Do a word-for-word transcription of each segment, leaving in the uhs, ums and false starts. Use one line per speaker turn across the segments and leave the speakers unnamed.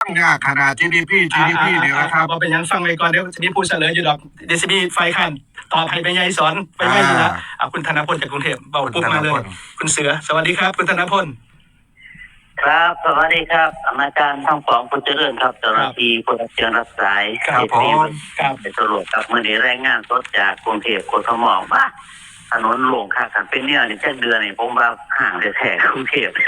ยากขนาด จี ดี พี จี ดี พี เนี่ยนะครับ
พอเป็นยังฟังไปก่อนเดี๋ยวจะมีผู้เฉลยอยู่ดอกเดซิบีไฟขันตอบให้ไปยัยสอนไปยัยอยู่นะอ่าคุณธนพลจากกรุงเทพเบาปุ๊บมาเลยคุณเสือสวัสดีครับคุณธนพล
ครับสวัสดีครับอาจารย์ทั้งสองคุณเจริญครับเจ้าหน้าที่ผู้รับเชิญรับสาย
ครับผม
ครับเป็นตำรวจครับเมื่อนี้รายงานสดจากกรุงเทพกทมว่าถนนหลวงค่ะกันเป็นเนี่ยนี่แค่เดือนนี่ผมว่าห่างแท้ๆกรุงเทพ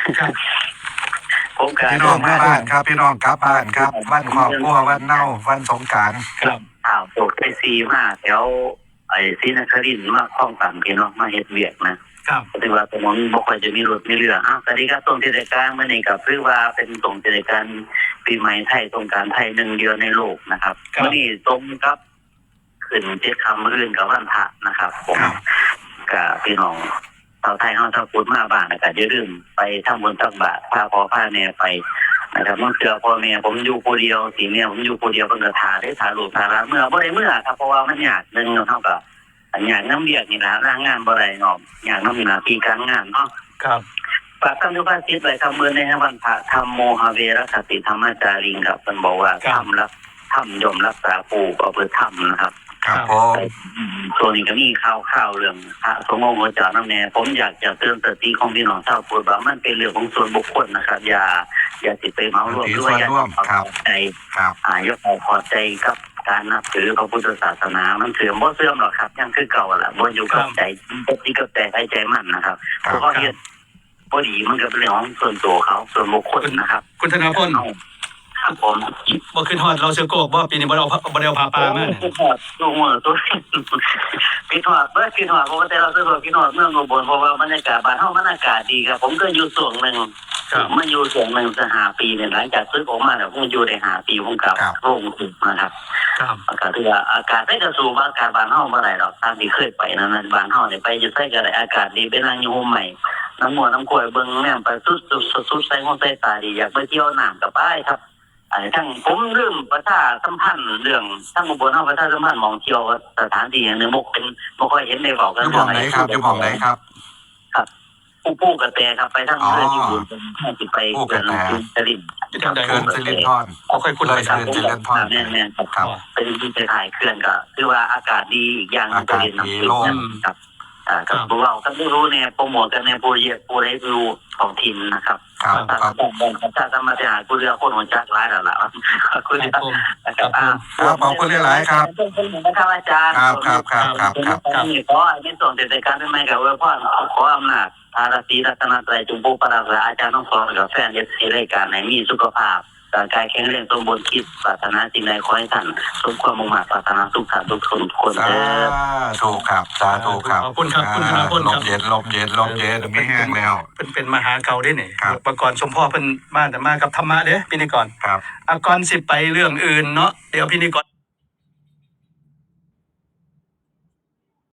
ผมการ
พี่น้องกลับบ้านครับพี่น้องกลับบ้านครับวันครอบครัววันเน่าวันสงกรานต์
ครับ
ข่าวตกไปซีมาแถวไอ้ศรีนครินทร์มาคลองต่ำพี่น้องมาเฮ็ดเวียกนะครับถือว่าตรงนั้นบ่ค่อยจะมีรถมีเรืออ้าวสวัสดีครับตรงเทศกาลมื้อนี้ก็คือว่าเป็นตรงเทศกาลปีใหม่ไทยสงกรานต์ไทยหนึ่งเดียวในโลกนะครับมื้อนี้ตรงกับขึ้นเจ็ดค่ำมื้ออื่นกับวันพระนะครับผมก็พี่น้องชาวไทยเฮาชาวพุทธมาบ้านก็อย่าลืมไปทำบุญตักบาตรพาพ่อพาแม่ไปนะครับเมื่อเจอพ่อแม่ผมอยู่ผู้เดียวสิเนี่ยผมอยู่ผู้เดียวเพิ่นก็ท่าได้ท่าลูกท่าหลานเมื่อบ่ได้เมื่อครับเพราะว่ามันยากนึงเฮาก็อยากน้ำเบียกนี่ล่ะร่างงานบ่ได้เนาะอยากน้ำมีหน้าที่การงานเนาะ
ครับ
ฝากท่านทุกท่านคิดไว้ทำมื้อในวันพระธรรมโมหเวรคติธรรมจาริงครับเพิ่นบอกว่าทำรักทำยมรักษาผู้ก็เพื่อทำนะครับ
ครับผม
ส่วนนี้ก็มีข่าวข่าวเรื่องพระสงฆ์องค์เจ้าน้ำแน่ผมอยากจะเตือนสติของพี่น้องชาวพุทธว่ามันเป็นเรื่องของส่วนบุคคลนะครับอย่าอย่าติดไปเหมารวมด้วยอย่าเอาใจอ่ายกเอาพอใจกับการนับถือพระพุทธศาสนามันเสื่อมบ่เสื่อมหรอกครับยังคือเก่าแหละบ่อยู่กับใจบ่ที่กับแต่ใจมันนะครับเพราะว่าเฮ็ดบ่ดีมันก็เป็นเรื่องของส่วนตัวเขาส่วนบุคคลนะครับ
คุณธนพล
ครับผม
บ่ขึ้นฮอดเราเสือโกกบ่ปีนี้บ่ได้เอาบ่ได้เอาพาปลามา
ขึ้นฮอดตัวหัวตัวพี่ฮอดเบิดพี่ฮอดเพราะว่าแต่เราเสือโกกพี่ฮอดเมืองอุบลเพราะว่าบรรยากาศบ้านเฮามันอากาศดีครับผมก็อยู่ส่วนนึงมันอยู่ส่วนนึงจะห้าปีเนี่ยหลังจากซื้อออกมาแล้วผมอยู่ได้ห้าปีผมกลับโรงถึงนะครับ
ครับ
อากาศที่ว่าอากาศได้กระสูบอากาศบ้านเฮาบ่ได้ดอกตามที่เคยไปนั้นบ้านเฮาเนี่ยไปอยู่ไสก็ได้อากาศดีไปนั่งอยู่ห่มใหม่น้ำมัวน้ำกล้วยเบิ่งแม่ไปสุดสุดใส่หัวใส่ตาดีอยากไปเที่ยวน้ำก็ไปครับไอ้ทั้งผมเรื่องประชาสัมพันธ์เรื่องทั้งอุบลเฮาประชาสัมพันธ์มองเที่ยวสถานที่อย่างนึงบ่เป็นบ่ค่อยเห็นในบอกกัน
อยู่หม้องไหนครับอยู่หม้องไหนครับ
ครับผู้ผู้กระแตครับไปทั้งเรือที่อยู่ตรงที่ไปเขื่อนสลิน
เขื่อนสลินทร
บ่ค่อยคุ้นเลยครับ
เขื่อนสลินทร
แน่ๆครับเป็นที่ไปถ่ายเขื่อนก็คือว่าอากาศดีอีกอย่างนึงก็เรียนน้ำขึ้นครับอ่ากับพวกเราก็ไม่รู้เนี่ยโปรโมทกันในโปรเจกต์โปรได้รู้ของทีมนะครับ
ครับครับ
ถ้าทำมาจะหาผู้เรือคนหัวจักร้ายแล้วล่ะคุณนะครับ
ครับขอบคุณหลายๆครับ
นะครับอาจารย์
ครับครับครับครับครับ
ขอในส่วนเด็ดการเป็นไงกับว่าพ่อขออำนาจอาราศีรัตนตรัยจุมพูปราศอาจารย์ต้องสอนกับแฟนเอฟซีรายการไหนมีสุขภาพร่างกายแข็งแรงสมบูรณ์คิดปรารถนาสิ่งใดขอให้ท่านสมความมุ่งมั่นปรารถนาทุกท่านทุกคนคนเด้อ
ถูกครับสาธุครับ
ขอบคุณครับคุณธนพลครับ
ลมเย็นลมเย็นลมเย็นไม่แห้งแล้ว
เป็นเป็นมหาเก่าได้นี่ประกรณ์ชมพ่อเพิ่นมาแต่มากับธรรมะเด้อพิธีกร
ครับ
อ่ะก่อนสิไปเรื่องอื่นเนาะเดี๋ยวพิธีกร